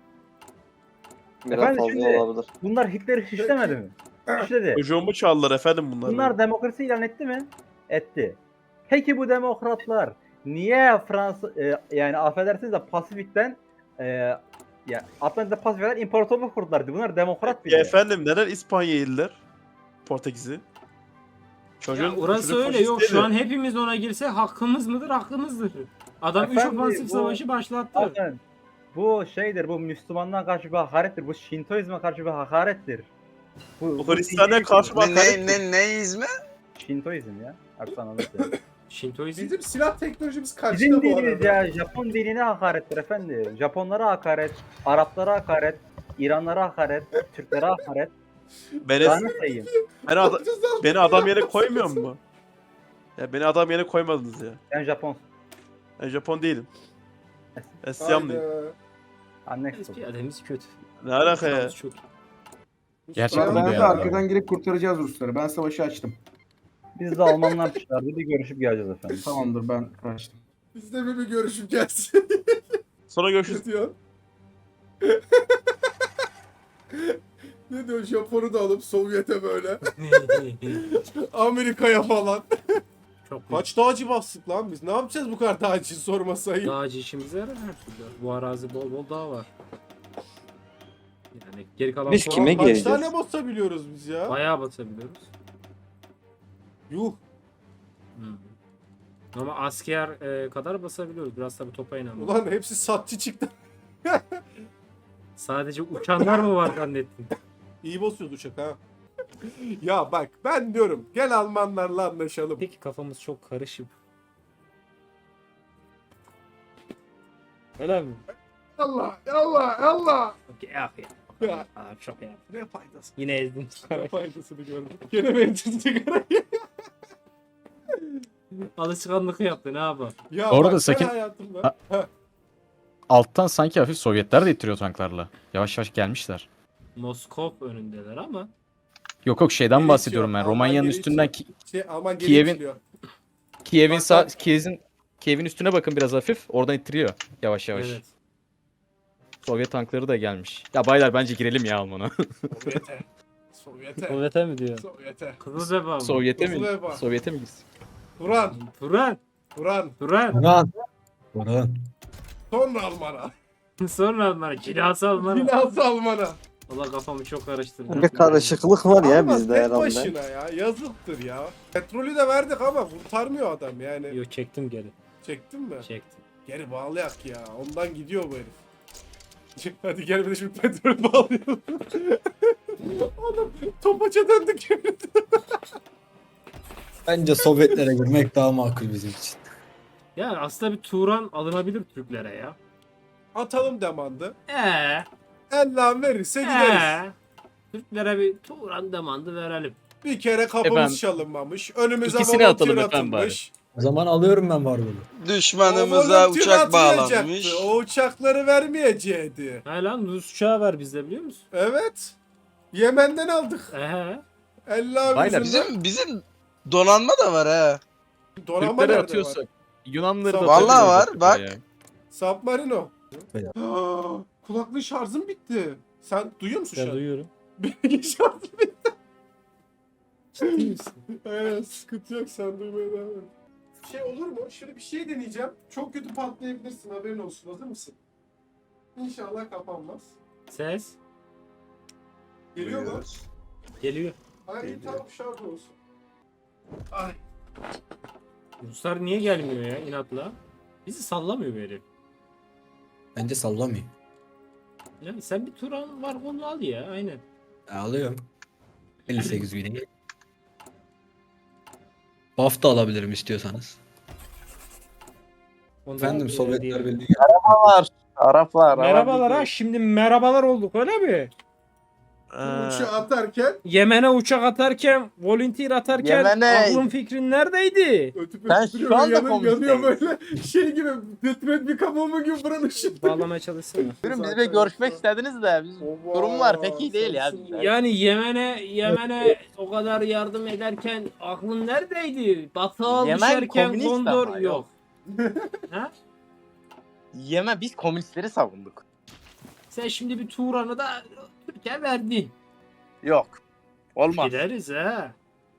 [SPEAKER 10] Biraz
[SPEAKER 8] Efendim
[SPEAKER 10] fazla
[SPEAKER 8] şimdi-
[SPEAKER 10] olabilir.
[SPEAKER 8] Bunlar Hitler'i şişlemedi mi? Şişledi.
[SPEAKER 6] Çocuğumu çaldılar efendim bunlar.
[SPEAKER 8] Bunlar demokrasi ilan etti mi? Etti. Peki bu demokratlar niye Fransa e, yani affedersiniz de Pasifik'ten e, ya Atlantik'te Pasifik'ten imparatorluk kurdular. Bunlar demokrat bir
[SPEAKER 6] Ya
[SPEAKER 8] de.
[SPEAKER 6] efendim neden İspanya'ya yediler? Portekiz'i. Çocuğun,
[SPEAKER 1] Ya orası
[SPEAKER 6] çocuk
[SPEAKER 1] öyle
[SPEAKER 6] faşist
[SPEAKER 1] yok
[SPEAKER 6] değil
[SPEAKER 1] şu
[SPEAKER 6] mi?
[SPEAKER 1] an hepimiz ona girsek hakkımız mıdır? Hakkımızdır. Adam üç
[SPEAKER 8] Efendim,
[SPEAKER 1] ofansif
[SPEAKER 8] bu-
[SPEAKER 1] savaşı başlattı.
[SPEAKER 8] Zaten bu şeydir, bu Müslümanlığa karşı bir hakarettir, bu Şintoizme karşı bir hakarettir. Bu,
[SPEAKER 6] Bu Hristiyan'a karşı bir bak. hakaret Ne, mi? ne, ne?
[SPEAKER 5] Neyiz mi?
[SPEAKER 8] Şintoizm ya. Artık anladım.
[SPEAKER 1] Şintoizm.
[SPEAKER 4] Bizim silah teknolojimiz kaçtı
[SPEAKER 8] Bizim
[SPEAKER 4] bu
[SPEAKER 8] dinimiz
[SPEAKER 4] arada.
[SPEAKER 8] ya, Japon dinine hakarettir efendim. Japonlara hakaret, Araplara hakaret, İranlara hakaret, Türklere hakaret.
[SPEAKER 6] Beni,
[SPEAKER 8] Daha ne sayayım?
[SPEAKER 6] beni, ada- beni adam yerine koymuyor mu? Ya beni adam yerine koymadınız ya.
[SPEAKER 8] Ben Japon.
[SPEAKER 6] Ben Japon değilim. Ben Siyamlıyım.
[SPEAKER 4] Hayda.
[SPEAKER 8] Annex
[SPEAKER 1] Biz
[SPEAKER 8] oldu.
[SPEAKER 1] piyademiz kötü.
[SPEAKER 6] Ne alaka ya?
[SPEAKER 1] Sağımız çok iyi.
[SPEAKER 2] Gerçekten
[SPEAKER 9] Ben
[SPEAKER 2] de
[SPEAKER 9] de
[SPEAKER 2] ya.
[SPEAKER 9] arkadan girip kurtaracağız Rusları. Ben savaşı açtım.
[SPEAKER 8] Biz de Almanlar çıkardı, bir görüşüp geleceğiz efendim.
[SPEAKER 9] Tamamdır ben açtım.
[SPEAKER 4] Biz de bir, bir görüşüp gelsin.
[SPEAKER 6] Sonra görüşürüz.
[SPEAKER 4] Ne diyor? Ne diyor? Japon'u da alıp Sovyet'e böyle. Amerika'ya falan.
[SPEAKER 1] Çok
[SPEAKER 4] Kaç dağcı bastık lan biz? Ne yapacağız bu kadar dağcı sormasayı?
[SPEAKER 1] dağcı işimize yarar her türlü. Bu arazi bol bol dağ var. Yani geri kalan
[SPEAKER 10] Biz
[SPEAKER 1] puan
[SPEAKER 10] kime
[SPEAKER 4] Kaç
[SPEAKER 10] geleceğiz?
[SPEAKER 4] tane basabiliyoruz biz ya?
[SPEAKER 1] bayağı basabiliyoruz.
[SPEAKER 4] Yuh.
[SPEAKER 1] Hmm. Ama asker e, kadar basabiliyoruz. Biraz tabii topa inanmıyor.
[SPEAKER 4] Ulan hepsi satçı çıktı.
[SPEAKER 1] Sadece uçanlar mı var zannettin?
[SPEAKER 4] İyi basıyordu uçak ha. Ya bak ben diyorum gel Almanlarla anlaşalım.
[SPEAKER 1] Peki kafamız çok karışık. Öyle mi?
[SPEAKER 4] Allah Allah Allah.
[SPEAKER 1] Okey, ah ya.
[SPEAKER 4] Ya,
[SPEAKER 1] Aa, çok ya.
[SPEAKER 4] ne faydası?
[SPEAKER 1] Yine ezdim.
[SPEAKER 4] Ne faydasını gördüm. Gene mi ettin sigarayı?
[SPEAKER 1] Alışkanlık yaptı ne yapalım.
[SPEAKER 4] Ya
[SPEAKER 2] Orada
[SPEAKER 4] bak,
[SPEAKER 2] sakin-
[SPEAKER 4] ben hayatımda...
[SPEAKER 2] Ha-
[SPEAKER 4] Heh,
[SPEAKER 2] Alttan sanki hafif Sovyetler de ittiriyor tanklarla. Yavaş yavaş gelmişler.
[SPEAKER 1] Moskov önündeler ama
[SPEAKER 2] Yok yok şeyden
[SPEAKER 4] Geri
[SPEAKER 2] bahsediyorum
[SPEAKER 4] itiyor,
[SPEAKER 2] ben.
[SPEAKER 4] Alman
[SPEAKER 2] Romanya'nın
[SPEAKER 4] geri
[SPEAKER 2] üstünden
[SPEAKER 4] itiyor. şey, Alman geri
[SPEAKER 2] Kiev'in-
[SPEAKER 4] itiliyor.
[SPEAKER 2] Kiev'in
[SPEAKER 4] Bak,
[SPEAKER 2] sağ
[SPEAKER 4] bak.
[SPEAKER 2] Kiev'in Kiev'in üstüne bakın biraz hafif. Oradan ittiriyor yavaş yavaş.
[SPEAKER 1] evet.
[SPEAKER 2] Sovyet tankları da gelmiş. Ya baylar bence girelim ya Alman'a.
[SPEAKER 4] Sovyete. Sovyete.
[SPEAKER 1] Sovyet'e mi diyor?
[SPEAKER 4] Sovyete.
[SPEAKER 1] Kızıl Beba mı?
[SPEAKER 2] Sovyet'e
[SPEAKER 4] Kızıl
[SPEAKER 2] mi?
[SPEAKER 4] Eva.
[SPEAKER 2] Sovyet'e mi gitsin?
[SPEAKER 4] Turan.
[SPEAKER 1] Turan.
[SPEAKER 4] Turan.
[SPEAKER 1] Turan.
[SPEAKER 3] Burhan. Burhan.
[SPEAKER 4] Sonra Alman'a.
[SPEAKER 1] Sonra Alman'a. Cilası Alman'a.
[SPEAKER 4] Finans Alman'a.
[SPEAKER 1] Valla kafamı çok karıştırdı.
[SPEAKER 10] Bir karışıklık var ya
[SPEAKER 4] Alman
[SPEAKER 10] bizde
[SPEAKER 4] tek
[SPEAKER 10] herhalde.
[SPEAKER 4] başına ya. Yazıktır ya. Petrolü de verdik ama kurtarmıyor adam yani.
[SPEAKER 1] Yok çektim geri.
[SPEAKER 4] Çektin mi?
[SPEAKER 1] Çektim.
[SPEAKER 4] Geri bağlayak ya. Ondan gidiyor bu herif. Hadi gel bir de şimdi petrol bağlayalım. Oğlum topaça döndük yemin.
[SPEAKER 3] Bence Sovyetlere girmek daha makul bizim için.
[SPEAKER 1] Yani aslında bir Turan alınabilir Türklere ya.
[SPEAKER 4] Atalım demandı.
[SPEAKER 1] Eee.
[SPEAKER 4] Ellan verirse gideriz.
[SPEAKER 1] Eee. Türklere bir Turan demandı verelim.
[SPEAKER 4] Bir kere kapımız
[SPEAKER 2] Efendim,
[SPEAKER 4] çalınmamış. Önümüze
[SPEAKER 2] ikisini
[SPEAKER 4] volantür
[SPEAKER 2] atalım efendim
[SPEAKER 4] atılmış.
[SPEAKER 3] O zaman alıyorum ben var bunu.
[SPEAKER 5] Düşmanımıza
[SPEAKER 4] O volantür
[SPEAKER 5] uçak
[SPEAKER 4] atmayacaktı.
[SPEAKER 5] bağlanmış.
[SPEAKER 4] O uçakları vermeyecekti.
[SPEAKER 1] Ha lan Rus uçağı var bizde biliyor musun?
[SPEAKER 4] Evet. Yemen'den aldık.
[SPEAKER 1] Ehe.
[SPEAKER 4] Ella
[SPEAKER 2] Baylar,
[SPEAKER 4] yüzünden.
[SPEAKER 5] bizim donanma da var ha.
[SPEAKER 4] Donanma
[SPEAKER 2] Türkleri
[SPEAKER 4] nerede var?
[SPEAKER 2] atıyorsak Yunanları da
[SPEAKER 4] Vallahi
[SPEAKER 2] atabiliriz
[SPEAKER 5] var,
[SPEAKER 2] Afrika'ya
[SPEAKER 5] bak.
[SPEAKER 2] ya.
[SPEAKER 4] Submarino.
[SPEAKER 3] Beyler.
[SPEAKER 4] Aa, kulaklığı şarjım bitti. Sen duyuyor musun
[SPEAKER 1] Ben
[SPEAKER 4] şu an?
[SPEAKER 1] duyuyorum.
[SPEAKER 4] Benimki şarjım bitti.
[SPEAKER 1] Ciddi misin?
[SPEAKER 4] Evet sıkıntı yok sen duymaya devam et. Şey olur mu? Şöyle bir şey deneyeceğim. Çok kötü patlayabilirsin haberin olsun. Hazır mısın? İnşallah kapanmaz.
[SPEAKER 1] Ses
[SPEAKER 4] Geliyor mu?
[SPEAKER 1] geliyor.
[SPEAKER 4] Ay iyi tamam şarj olsun. Ay.
[SPEAKER 1] Ruslar niye gelmiyor ya inatla? Bizi sallamıyor bu herif.
[SPEAKER 3] Bence sallamayayım.
[SPEAKER 1] Yani sen bir Turan var onu al ya aynen.
[SPEAKER 3] E, alıyorum. elli sekiz bine. Buff da alabilirim istiyorsanız.
[SPEAKER 1] Ondan
[SPEAKER 3] Efendim
[SPEAKER 1] e,
[SPEAKER 3] Sovyetler
[SPEAKER 1] diyelim.
[SPEAKER 3] Birliği.
[SPEAKER 5] Araplar.
[SPEAKER 1] Merhabalar ha şimdi merhabalar olduk öyle mi?
[SPEAKER 4] Bu uçağı atarken
[SPEAKER 1] Yemen'e uçak atarken, volunteer atarken
[SPEAKER 5] Yemen'e-
[SPEAKER 1] aklın fikrin neredeydi?
[SPEAKER 4] ötüp
[SPEAKER 5] Ben
[SPEAKER 4] ötüp
[SPEAKER 5] şu
[SPEAKER 4] duruyor,
[SPEAKER 5] anda
[SPEAKER 4] yanıyor, yanıyor
[SPEAKER 5] komünisteyim.
[SPEAKER 4] böyle şey gibi detroit bir kabuğumu gibi buranın ışığı.
[SPEAKER 1] Bağlamaya çalışsana.
[SPEAKER 5] Buyurun bizle görüşmek istediniz de biz durum var pek iyi değil ya. bizde.
[SPEAKER 1] Yani Yemen'e Yemen'e o kadar yardım ederken aklın neredeydi? Batığa
[SPEAKER 5] Yemen
[SPEAKER 1] düşerken
[SPEAKER 5] komünist
[SPEAKER 1] Gondor
[SPEAKER 5] ama,
[SPEAKER 1] yok.
[SPEAKER 5] yok.
[SPEAKER 1] ha?
[SPEAKER 5] Yemen biz komünistleri savunduk.
[SPEAKER 1] Sen şimdi bir Turan'ı da Türkiye verdin.
[SPEAKER 5] Yok. Olmaz.
[SPEAKER 1] Gideriz ha.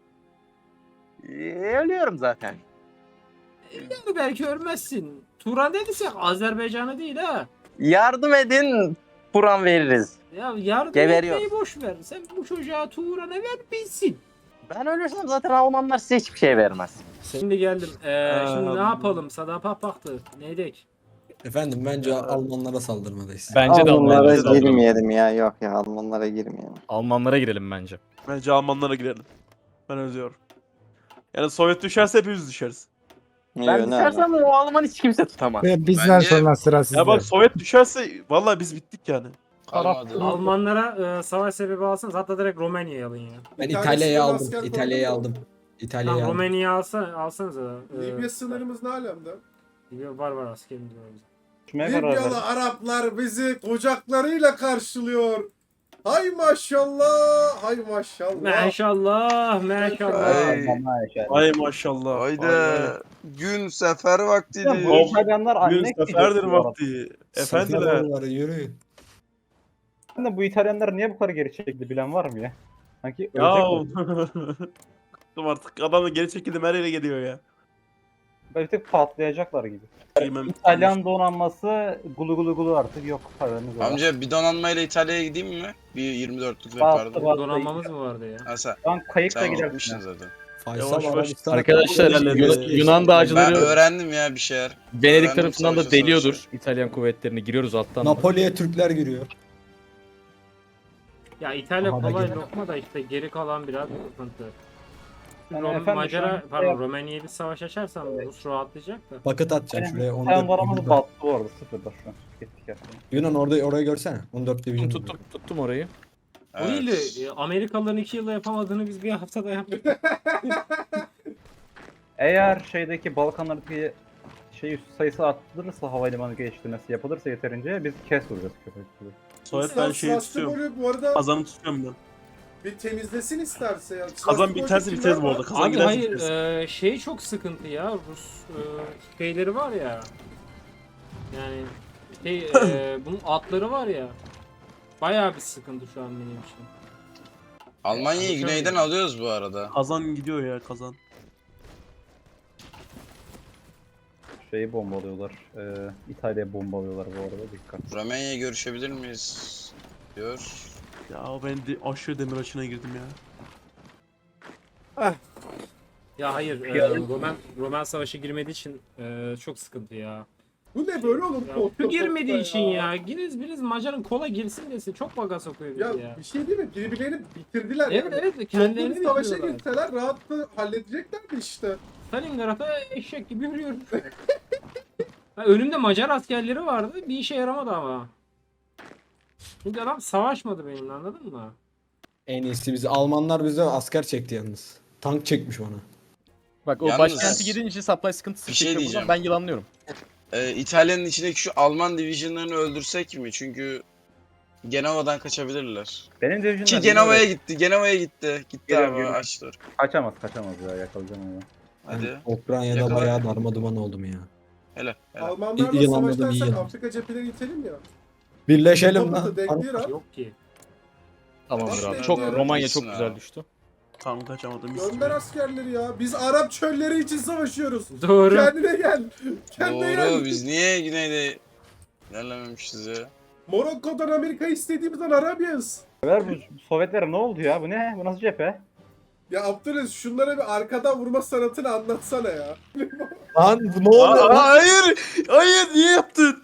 [SPEAKER 5] Ee, Ölüyorum zaten.
[SPEAKER 1] Yani belki ölmezsin. Turan dediysek Azerbaycan'ı değil ha.
[SPEAKER 5] Yardım edin. Kur'an veririz.
[SPEAKER 1] Ya yardım
[SPEAKER 5] Geberiyor.
[SPEAKER 1] etmeyi boş ver. Sen bu çocuğa Turan'ı ver bilsin.
[SPEAKER 5] Ben ölürsem zaten Almanlar size hiçbir şey vermez.
[SPEAKER 1] Şimdi geldim. Ee, şimdi ne
[SPEAKER 6] Aa,
[SPEAKER 1] yapalım? Sadapa baktı. Neydik?
[SPEAKER 3] Efendim bence Almanlara saldırmalıyız.
[SPEAKER 2] Bence de
[SPEAKER 10] Almanlara
[SPEAKER 2] Almanlara saldıralım.
[SPEAKER 10] girmeyelim ya. Yok ya Almanlara girmeyelim.
[SPEAKER 2] Almanlara girelim bence.
[SPEAKER 6] Bence Almanlara girelim. Ben özlüyorum. Yani Sovyet düşerse hepimiz düşeriz.
[SPEAKER 5] Ben
[SPEAKER 10] Yok, ne
[SPEAKER 5] düşersem o Alman hiç kimse tutamaz.
[SPEAKER 11] Ve bizden sonra sıra sizde.
[SPEAKER 6] Ya bak Sovyet düşerse vallahi biz bittik yani.
[SPEAKER 1] Almanlara e, savaş sebebi alsanız hatta direkt Romanya'yı alın ya.
[SPEAKER 3] Ben
[SPEAKER 4] Bir tanesi
[SPEAKER 3] İtalya'yı
[SPEAKER 4] de
[SPEAKER 3] aldım.
[SPEAKER 4] asker
[SPEAKER 3] İtalya'yı
[SPEAKER 4] koydu mu?
[SPEAKER 3] aldım. İtalya'yı
[SPEAKER 1] Tamam
[SPEAKER 3] aldım.
[SPEAKER 1] Romanya'yı alsa, alsanız da.
[SPEAKER 4] Libya sınırımız ne alemde?
[SPEAKER 1] Libya var var askerimiz var. bizim.
[SPEAKER 8] Düşmeye karar verdim.
[SPEAKER 4] Libyalı Araplar bizi kucaklarıyla karşılıyor. Hay maşallah, hay maşallah.
[SPEAKER 1] Maşallah, maşallah.
[SPEAKER 5] Ay.
[SPEAKER 6] Ay maşallah.
[SPEAKER 5] Haydi.
[SPEAKER 6] Ay,
[SPEAKER 5] Gün sefer vaktidir.
[SPEAKER 8] Ya bu İtalyanlar
[SPEAKER 6] ay. Gün
[SPEAKER 8] anne
[SPEAKER 6] seferdir vakti. Efendiler.
[SPEAKER 3] Efendiler yürüyün.
[SPEAKER 8] Ben de bu İtalyanlar niye bu kadar geri çekildi bilen var mı ya? Sanki
[SPEAKER 6] Ya.
[SPEAKER 8] ölecek mi?
[SPEAKER 6] Bıktım artık. Adam da geri çekildim her yere geliyor ya.
[SPEAKER 8] Böyle bir tık patlayacaklar gibi.
[SPEAKER 6] Bilmem.
[SPEAKER 8] İtalyan donanması gulu gulu gulu artık yok. Haberiniz var.
[SPEAKER 5] Amca bir donanmayla İtalya'ya gideyim mi? Bir yirmi dörtlük
[SPEAKER 8] Bastı,
[SPEAKER 5] yapardım.
[SPEAKER 8] bastı.
[SPEAKER 1] Donanmamız mı vardı ya?
[SPEAKER 5] Asa
[SPEAKER 8] Şu an kayıkla
[SPEAKER 5] sen
[SPEAKER 8] gidersin.
[SPEAKER 5] gitmişsin
[SPEAKER 8] ya.
[SPEAKER 5] zaten.
[SPEAKER 3] Faysal
[SPEAKER 6] Yavaş yavaş
[SPEAKER 3] Arabistan.
[SPEAKER 2] Arkadaşlar
[SPEAKER 6] ilerledi.
[SPEAKER 2] Yunan, Yunan
[SPEAKER 11] Ben
[SPEAKER 2] dağcıları
[SPEAKER 11] öğrendim ya bir şeyler.
[SPEAKER 2] Venedik
[SPEAKER 11] öğrendim
[SPEAKER 2] tarafından da
[SPEAKER 11] savaşı,
[SPEAKER 2] deliyordur.
[SPEAKER 11] savaşı.
[SPEAKER 2] İtalyan kuvvetlerini giriyoruz alttan.
[SPEAKER 3] Napoli'ye Türkler giriyor.
[SPEAKER 1] Ya İtalya
[SPEAKER 3] Aha da
[SPEAKER 1] kolay
[SPEAKER 3] gene.
[SPEAKER 1] lokma da işte geri kalan biraz sıkıntı.
[SPEAKER 8] Yani
[SPEAKER 1] Rom,
[SPEAKER 8] efendim şu
[SPEAKER 1] Macara,
[SPEAKER 8] an-
[SPEAKER 1] pardon Romanya'ya bir savaş açarsan Rus rahatlayacak da.
[SPEAKER 3] Paket atacağım şuraya. on
[SPEAKER 8] Sen
[SPEAKER 3] dört
[SPEAKER 8] varamız
[SPEAKER 3] division.
[SPEAKER 8] battı bu arada sıfırda şu an. Gittik ya.
[SPEAKER 3] Yunan orada oraya görsene. on dört
[SPEAKER 2] Tuttum,
[SPEAKER 3] division.
[SPEAKER 2] tuttum, tuttum orayı.
[SPEAKER 1] O değil de e, Amerikalıların iki yılda yapamadığını biz bir haftada yaptık.
[SPEAKER 8] Eğer şeydeki Balkanlardaki şey üst sayısı arttırılırsa havalimanı geliştirmesi yapılırsa yeterince biz kes vuracağız köpekleri.
[SPEAKER 6] Sovyet ben şeyi tutuyorum.
[SPEAKER 4] Sassuolo bu arada
[SPEAKER 6] Kazanı tutuyorum ben.
[SPEAKER 4] bir temizlesin isterse ya.
[SPEAKER 6] Kazan
[SPEAKER 4] Sassuolo
[SPEAKER 6] biterse
[SPEAKER 4] kimler
[SPEAKER 6] biteriz bu
[SPEAKER 4] var?
[SPEAKER 6] arada. Kazan
[SPEAKER 1] Abi
[SPEAKER 6] giderse
[SPEAKER 1] hayır
[SPEAKER 6] biteriz.
[SPEAKER 1] e, şey çok sıkıntı ya Rus e, şeyleri var ya. Yani şey e, bunun atları var ya. Bayağı bir sıkıntı şu an benim için.
[SPEAKER 11] Almanya'yı
[SPEAKER 1] Konuşamıyorum.
[SPEAKER 11] güneyden alıyoruz bu arada.
[SPEAKER 6] Kazan gidiyor ya kazan.
[SPEAKER 8] Şeyi bombalıyorlar. E, İtalya'ya bombalıyorlar bu arada dikkat.
[SPEAKER 11] Romanya'ya görüşebilir miyiz? Diyor.
[SPEAKER 6] Ya ben de aşırı demir açına girdim ya.
[SPEAKER 1] Ya hayır e, Roman Roman savaşı girmediği için e, çok sıkıntı ya.
[SPEAKER 4] Bu ne böyle oğlum?
[SPEAKER 1] Ya,
[SPEAKER 4] Koltuk
[SPEAKER 1] şu girmediği
[SPEAKER 4] koltukta
[SPEAKER 1] için
[SPEAKER 4] ya.
[SPEAKER 1] ya. Giriz biriz Macar'ın kola girsin desin. Çok baga sokuyor bizi
[SPEAKER 4] Ya,
[SPEAKER 1] ya.
[SPEAKER 4] bir şey değil mi? Birbirlerini bitirdiler
[SPEAKER 1] Evet
[SPEAKER 4] yani.
[SPEAKER 1] evet
[SPEAKER 4] Kendilerini
[SPEAKER 1] kendilerini
[SPEAKER 4] savaşa
[SPEAKER 1] bitiriyorlar.
[SPEAKER 4] girseler rahatla halledeceklerdi işte.
[SPEAKER 1] Stalingrad'a eşek gibi yürüyorum. Ha, önümde Macar askerleri vardı. Bir işe yaramadı ama. Çünkü adam savaşmadı benimle anladın mı?
[SPEAKER 3] En iyisi bizi. Almanlar bize asker çekti yalnız. Tank çekmiş bana.
[SPEAKER 2] Bak o
[SPEAKER 11] Yalnız-
[SPEAKER 2] başkenti gidince supply sıkıntısı
[SPEAKER 11] Bir şey
[SPEAKER 2] çekiyor
[SPEAKER 11] diyeceğim.
[SPEAKER 2] buradan, ben yılanlıyorum.
[SPEAKER 11] Ee, İtalya'nın içindeki şu Alman divisionlarını öldürsek mi? Çünkü Genova'dan kaçabilirler.
[SPEAKER 8] Benim
[SPEAKER 11] Ki
[SPEAKER 8] division'lar
[SPEAKER 11] Genova'ya gitti. Genova'ya gitti. Gitti
[SPEAKER 8] Geliyorum,
[SPEAKER 11] abi
[SPEAKER 8] geliyorum.
[SPEAKER 11] açtı.
[SPEAKER 8] kaçamaz kaçamaz ya yakalayacağım onu.
[SPEAKER 11] Hadi.
[SPEAKER 3] Ben Ukrayna'da
[SPEAKER 11] Yakala.
[SPEAKER 3] bayağı darma duman oldum ya.
[SPEAKER 11] Hele. hele.
[SPEAKER 4] Almanlarla
[SPEAKER 3] İyi yılanladım, iyi
[SPEAKER 4] savaşlarsak
[SPEAKER 3] yılan.
[SPEAKER 4] Afrika cepheleri itelim ya.
[SPEAKER 3] Birleşelim
[SPEAKER 4] Batı,
[SPEAKER 3] lan.
[SPEAKER 4] Deklir ha.
[SPEAKER 1] Yok ki.
[SPEAKER 2] Tamamdır
[SPEAKER 4] Tamam,
[SPEAKER 2] abi. Çok
[SPEAKER 4] tamam.
[SPEAKER 2] Romanya çok
[SPEAKER 11] Gitsin
[SPEAKER 2] güzel
[SPEAKER 11] abi.
[SPEAKER 2] düştü.
[SPEAKER 6] Tam kaçamadım.
[SPEAKER 4] Gönder askerleri ya. Biz Arap çölleri için savaşıyoruz.
[SPEAKER 1] Doğru.
[SPEAKER 4] Kendine gel. Kendine gel.
[SPEAKER 11] Doğru. Biz niye güneyde ilerlememişiz ya?
[SPEAKER 4] Morokko'dan Amerika'yı istediğimizden Arabya'yız.
[SPEAKER 8] Ver bu Sovyetlere ne oldu ya? Bu ne? Bu nasıl cephe?
[SPEAKER 4] Ya Abdülaziz şunlara bir arkadan vurma sanatını anlatsana ya.
[SPEAKER 3] Lan bu ne oldu?
[SPEAKER 6] Aa, hayır! Hayır niye yaptın?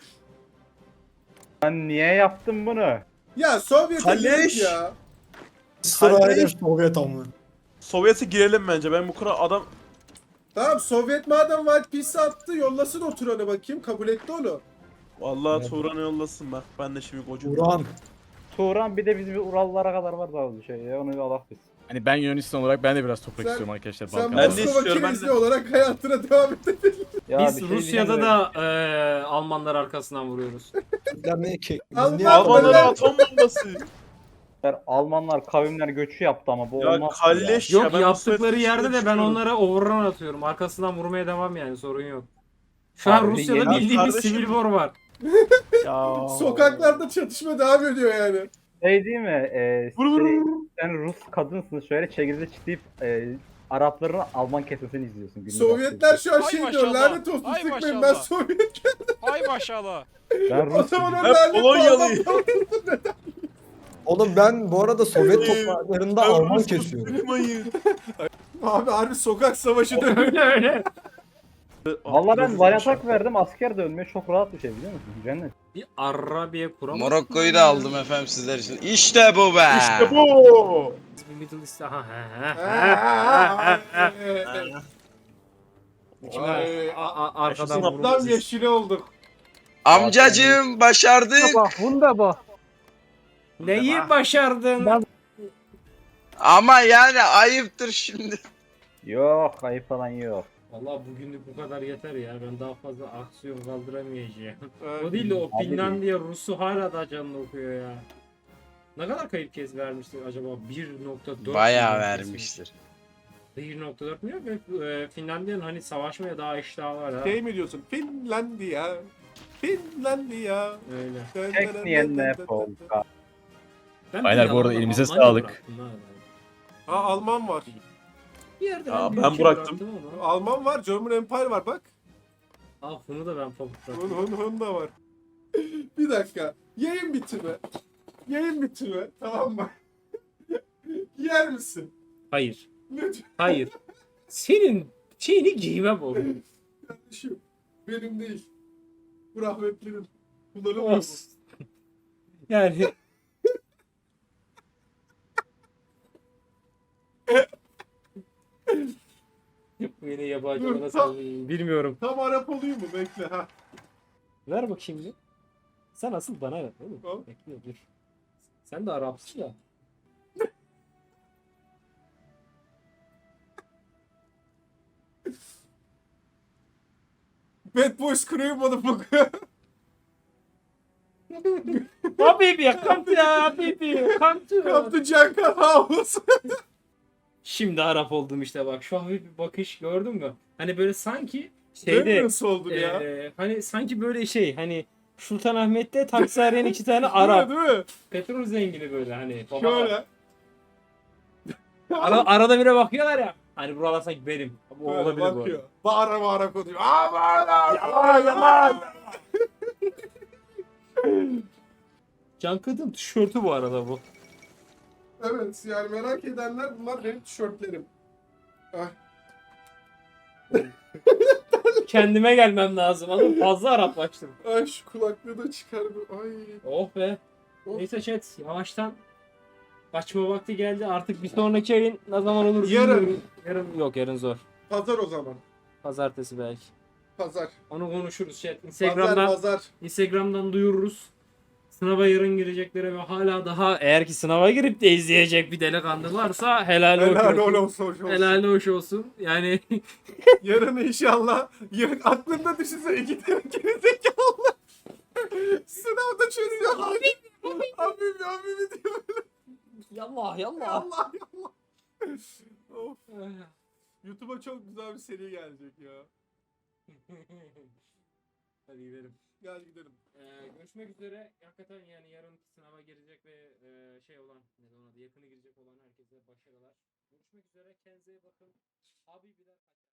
[SPEAKER 8] Ben niye yaptım bunu?
[SPEAKER 4] Ya Sovyet'e
[SPEAKER 6] Kaleş.
[SPEAKER 4] girdik ya.
[SPEAKER 3] Sırayla
[SPEAKER 6] Kardeş.
[SPEAKER 3] Sovyet ama.
[SPEAKER 6] Sovyet'e girelim bence. Ben bu kadar adam...
[SPEAKER 4] Tamam Sovyet madem White Peace attı yollasın o Turan'ı bakayım kabul etti onu.
[SPEAKER 6] Vallahi
[SPEAKER 3] Evet.
[SPEAKER 6] Turan'ı yollasın bak. Ben de şimdi kocam.
[SPEAKER 3] Uran.
[SPEAKER 8] Turan bir de bizim Urallara kadar var daha bir şey ya. Onu bir alak biz.
[SPEAKER 2] Hani ben Yunanistan olarak ben de biraz toprak
[SPEAKER 4] Sen-
[SPEAKER 2] istiyorum arkadaşlar.
[SPEAKER 4] Sen
[SPEAKER 2] Balkanlarda.
[SPEAKER 6] Ben de
[SPEAKER 4] Moskova
[SPEAKER 6] istiyorum, ben
[SPEAKER 4] Kirizli
[SPEAKER 6] de.
[SPEAKER 4] olarak hayatına devam et.
[SPEAKER 8] Ya
[SPEAKER 1] Biz
[SPEAKER 8] bir şey
[SPEAKER 1] Rusya'da
[SPEAKER 8] diyeceğim
[SPEAKER 1] da e, Almanlar arkasından vuruyoruz.
[SPEAKER 3] Türkler ne ki? Biz
[SPEAKER 4] Alman-
[SPEAKER 3] niye
[SPEAKER 6] Almanlara atom bombası.
[SPEAKER 8] de, Almanlar kavimler göçü yaptı ama bu
[SPEAKER 6] Ya
[SPEAKER 8] olmaz. ki
[SPEAKER 6] kalleş
[SPEAKER 1] Yok
[SPEAKER 6] ya. Ben
[SPEAKER 1] yaptıkları
[SPEAKER 6] Sovyet'in
[SPEAKER 1] yerde de ben
[SPEAKER 6] düşünüyorum.
[SPEAKER 1] onlara overrun atıyorum. Arkasından vurmaya devam yani sorun yok. Şu an
[SPEAKER 8] Abi,
[SPEAKER 1] Rusya'da
[SPEAKER 8] yeni-
[SPEAKER 1] bildiğimiz
[SPEAKER 6] Kardeşim.
[SPEAKER 1] sivil war var.
[SPEAKER 6] Ya.
[SPEAKER 4] Sokaklarda çatışma devam ediyor yani.
[SPEAKER 8] Şey değil mi? E,
[SPEAKER 6] Vur vur
[SPEAKER 8] şey,
[SPEAKER 6] vur.
[SPEAKER 8] sen Rus kadınsın şöyle çekirdeği çitleyip e, Arapların Alman kesmesini izliyorsun. günlük
[SPEAKER 4] Sovyetler
[SPEAKER 8] aktivite.
[SPEAKER 4] şu an
[SPEAKER 12] Ay
[SPEAKER 4] şey diyor
[SPEAKER 12] maşallah.
[SPEAKER 4] lanet olsun
[SPEAKER 12] Ay
[SPEAKER 4] sıkmayın ben
[SPEAKER 12] maşallah.
[SPEAKER 4] Sovyet.
[SPEAKER 12] Ay maşallah.
[SPEAKER 8] Ben
[SPEAKER 4] O
[SPEAKER 8] Rus
[SPEAKER 4] zaman o
[SPEAKER 6] Ben
[SPEAKER 4] lanet
[SPEAKER 6] Polonyalıyım.
[SPEAKER 3] Oğlum ben bu arada Sovyet topraklarında
[SPEAKER 6] Ben
[SPEAKER 3] Alman
[SPEAKER 6] Rus
[SPEAKER 3] kesiyorum.
[SPEAKER 6] tutmayın.
[SPEAKER 4] Abi harbi sokak savaşı dönüyor.
[SPEAKER 1] öyle öyle.
[SPEAKER 8] Valla ben
[SPEAKER 6] Rus-
[SPEAKER 8] Valyatak verdim asker dönmeye çok rahat bir şey biliyor musun? Cennet.
[SPEAKER 1] Bir Arabiya kuramaz.
[SPEAKER 11] Morokko'yu da aldım efendim sizler için. İşte bu be.
[SPEAKER 6] İşte bu.
[SPEAKER 1] Bir Middle East. Aha, ha, ha, ha. Şimdi
[SPEAKER 4] Ay,
[SPEAKER 1] a- a- arkadan
[SPEAKER 6] Yaşasın
[SPEAKER 1] vurulması.
[SPEAKER 4] Tam yeşili olduk.
[SPEAKER 11] Amcacığım başardık.
[SPEAKER 1] Neyi başardın?
[SPEAKER 11] Ama yani ayıptır şimdi.
[SPEAKER 8] Yok ayıp falan yok.
[SPEAKER 1] Vallahi bugünlük bu kadar yeter ya. Ben daha fazla aksiyon kaldıramayacağım.
[SPEAKER 4] Evet.
[SPEAKER 1] O değil de o
[SPEAKER 8] Abi
[SPEAKER 1] Finlandiya Rus'u hala da canını okuyor ya. Ne kadar kayıp kez vermiştir acaba? bir nokta dört
[SPEAKER 11] Bayağı
[SPEAKER 1] milyon kesin.
[SPEAKER 11] vermiştir.
[SPEAKER 1] bir nokta dört milyon ve e, Finlandiya'nın hani savaşmaya daha iştahı var ha.
[SPEAKER 4] Şey mi diyorsun? Finlandiya. Finlandiya.
[SPEAKER 1] Öyle.
[SPEAKER 8] Tekniyen ne polka.
[SPEAKER 1] Ben
[SPEAKER 2] Aynen,
[SPEAKER 1] bir
[SPEAKER 2] bu arada
[SPEAKER 1] yalandan
[SPEAKER 2] elimize
[SPEAKER 1] Almanya'yı
[SPEAKER 2] sağlık.
[SPEAKER 1] bıraktım ha.
[SPEAKER 4] Ha Alman var.
[SPEAKER 1] Bir yerde
[SPEAKER 6] Aa,
[SPEAKER 1] bir
[SPEAKER 6] ben
[SPEAKER 1] ülke
[SPEAKER 6] bıraktım.
[SPEAKER 1] ama.
[SPEAKER 4] Alman var. German Empire var bak.
[SPEAKER 1] Ah bunu da ben pamuk
[SPEAKER 4] Hun
[SPEAKER 1] bıraktım.
[SPEAKER 4] hun hun da var. Bir dakika. Yayın bitirme. Yayın bitirme. Tamam mı? Yer misin?
[SPEAKER 1] Hayır.
[SPEAKER 4] Lütfen.
[SPEAKER 1] Hayır. senin şeyini giymem oğlum.
[SPEAKER 4] Kardeşim benim değil. Bu rahmetlinin. Kullanılmıyor mu?
[SPEAKER 1] Olsun. Yani bu yine yabancı
[SPEAKER 4] Dur,
[SPEAKER 1] bana
[SPEAKER 4] tam-
[SPEAKER 1] sanmayın. Bilmiyorum.
[SPEAKER 4] Tam Arap olayım mı? Bekle ha.
[SPEAKER 1] Ver bakayım bir. Sen asıl bana ver oğlum.
[SPEAKER 4] Tamam.
[SPEAKER 1] Bekle dur. Sen de Arapsın ya.
[SPEAKER 4] Bad Boys Crew motherfucker.
[SPEAKER 1] Habibi, come to Habibi, come to.
[SPEAKER 4] Kaptı Cankar House.
[SPEAKER 1] Şimdi Arap oldum işte bak. Şu hafif bir bakış gördün mü? Hani böyle sanki
[SPEAKER 4] Şeyde,
[SPEAKER 1] şeyde
[SPEAKER 4] nasıl oldun ya?
[SPEAKER 1] eee, hani sanki böyle şey hani Sultanahmet'te taksi arayan iki tane
[SPEAKER 4] Değil mi,
[SPEAKER 1] Arap.
[SPEAKER 4] değil mi?
[SPEAKER 1] Petrol zengini böyle hani. baba-
[SPEAKER 4] Şöyle.
[SPEAKER 1] Ara, arada bire bakıyorlar ya. Hani buralar sanki benim. Bu
[SPEAKER 4] Böyle
[SPEAKER 1] olabilir bu arada.
[SPEAKER 4] bakıyor. Bağıra bağıra konuşuyor. Aa bağıra.
[SPEAKER 1] Yalan yalan. Can Kadın tişörtü bu arada bu.
[SPEAKER 4] Evet yani merak edenler bunlar benim tişörtlerim. Ah.
[SPEAKER 1] Kendime gelmem lazım. Anladın mı? Fazla Araplaştım.
[SPEAKER 4] Ay şu kulaklığı da çıkardım. Ay.
[SPEAKER 1] Oh be.
[SPEAKER 4] Oh.
[SPEAKER 1] Neyse chat yavaştan kaçma vakti geldi. Artık bir sonraki ayın ne zaman olur
[SPEAKER 4] Yarın.
[SPEAKER 1] bilmiyorum. Yarın yok yarın zor.
[SPEAKER 4] Pazar o zaman.
[SPEAKER 1] Pazartesi belki.
[SPEAKER 4] Pazar.
[SPEAKER 1] Onu konuşuruz chat.
[SPEAKER 4] Pazar
[SPEAKER 1] Instagram'dan
[SPEAKER 4] pazar.
[SPEAKER 1] Instagram'dan duyururuz. Sınava yarın gireceklere ve hala daha eğer ki sınava girip de izleyecek bir delikanlı varsa helal,
[SPEAKER 4] Helal
[SPEAKER 1] hoş olsun.
[SPEAKER 4] olsun. Hoş olsun.
[SPEAKER 1] Helal hoş olsun. Yani
[SPEAKER 4] Yarın inşallah. Yarın aklında düşünsene iki tane gerizekalı. Sınavda çözüyor. Abi. Abi abi diyor böyle.
[SPEAKER 1] yallah yallah.
[SPEAKER 4] Allah Allah. Of. YouTube'a çok güzel bir seri gelecek ya.
[SPEAKER 1] Hadi gidelim.
[SPEAKER 4] Gel gidelim.
[SPEAKER 1] Ee, görüşmek üzere. Hakikaten yani yarın sınava girecek ve e, şey olan, ne de ona da yakını girecek olan herkese başarılar. Görüşmek üzere. Kendinize iyi bakın. Abi birer